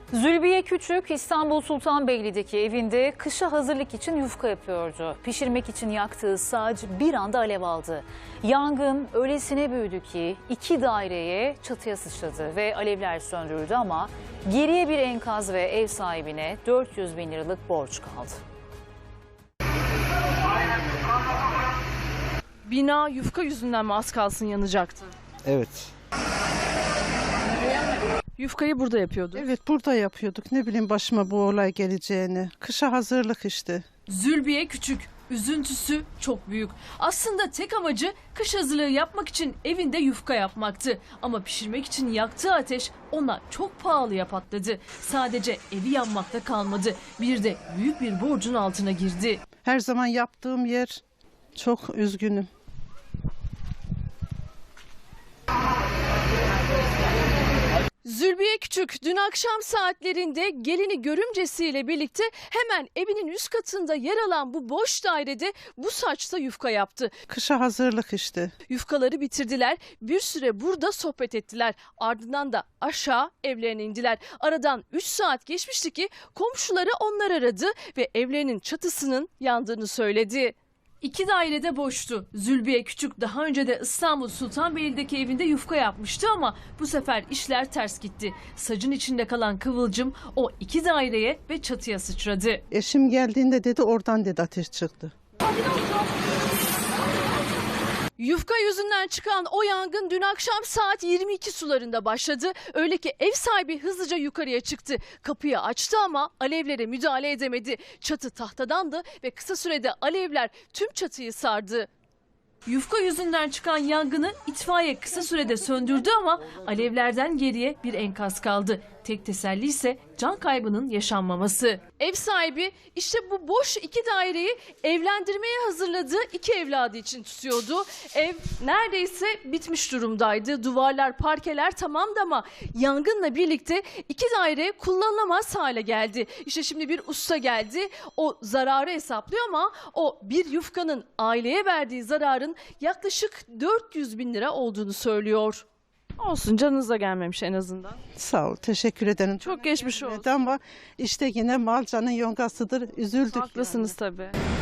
Zülbiye Küçük İstanbul Sultanbeyli'deki evinde kışa hazırlık için yufka yapıyordu. Pişirmek için yaktığı saç bir anda alev aldı. Yangın öylesine büyüdü ki 2 daireye çatıya sıçradı ve alevler söndürüldü ama geriye bir enkaz ve ev sahibine 400 bin liralık borç kaldı. Bina yufka yüzünden mi az kalsın yanacaktı? Evet. Yufkayı burada yapıyordu. Evet, burada yapıyorduk. Ne bileyim başıma bu olay geleceğini. Kışa hazırlık işte. Zülbiye Küçük, üzüntüsü çok büyük. Aslında tek amacı kış hazırlığı yapmak için evinde yufka yapmaktı. Ama pişirmek için yaktığı ateş ona çok pahalıya patladı. Sadece evi yanmakta kalmadı. Bir de büyük bir borcun altına girdi. Her zaman yaptığım yer, çok üzgünüm. Zülbiye Küçük dün akşam saatlerinde gelini görümcesiyle birlikte hemen evinin üst katında yer alan bu boş dairede bu saçta yufka yaptı. Kışa hazırlık işte. Yufkaları bitirdiler, bir süre burada sohbet ettiler. Ardından da aşağı evlerine indiler. Aradan 3 saat geçmişti ki komşuları onlar aradı ve evlerinin çatısının yandığını söyledi. 2 dairede boştu. Zülbiye Küçük daha önce de İstanbul Sultanbeyli'deki evinde yufka yapmıştı ama bu sefer işler ters gitti. Sacın içinde kalan kıvılcım o 2 daireye ve çatıya sıçradı. Eşim geldiğinde dedi, oradan dedi ateş çıktı. Yufka yüzünden çıkan o yangın dün akşam saat 22 sularında başladı. Öyle ki ev sahibi hızlıca yukarıya çıktı. Kapıyı açtı ama alevlere müdahale edemedi. Çatı tahtadandı ve kısa sürede alevler tüm çatıyı sardı. Yufka yüzünden çıkan yangını itfaiye kısa sürede söndürdü ama alevlerden geriye bir enkaz kaldı. Tek teselli ise can kaybının yaşanmaması. Ev sahibi işte bu boş 2 daireyi evlendirmeye hazırladığı 2 evladı için tutuyordu. Ev neredeyse bitmiş durumdaydı. Duvarlar, parkeler tamamdı ama yangınla birlikte 2 daire kullanılamaz hale geldi. İşte şimdi bir usta geldi. O zararı hesaplıyor ama o bir yufkanın aileye verdiği zararın yaklaşık 400 bin lira olduğunu söylüyor. Olsun, canınıza gelmemiş en azından. Sağ ol, teşekkür ederim. Çok geçmiş olsun. Ama işte yine mal canın yongasıdır. Üzüldük. Haklısınız tabii.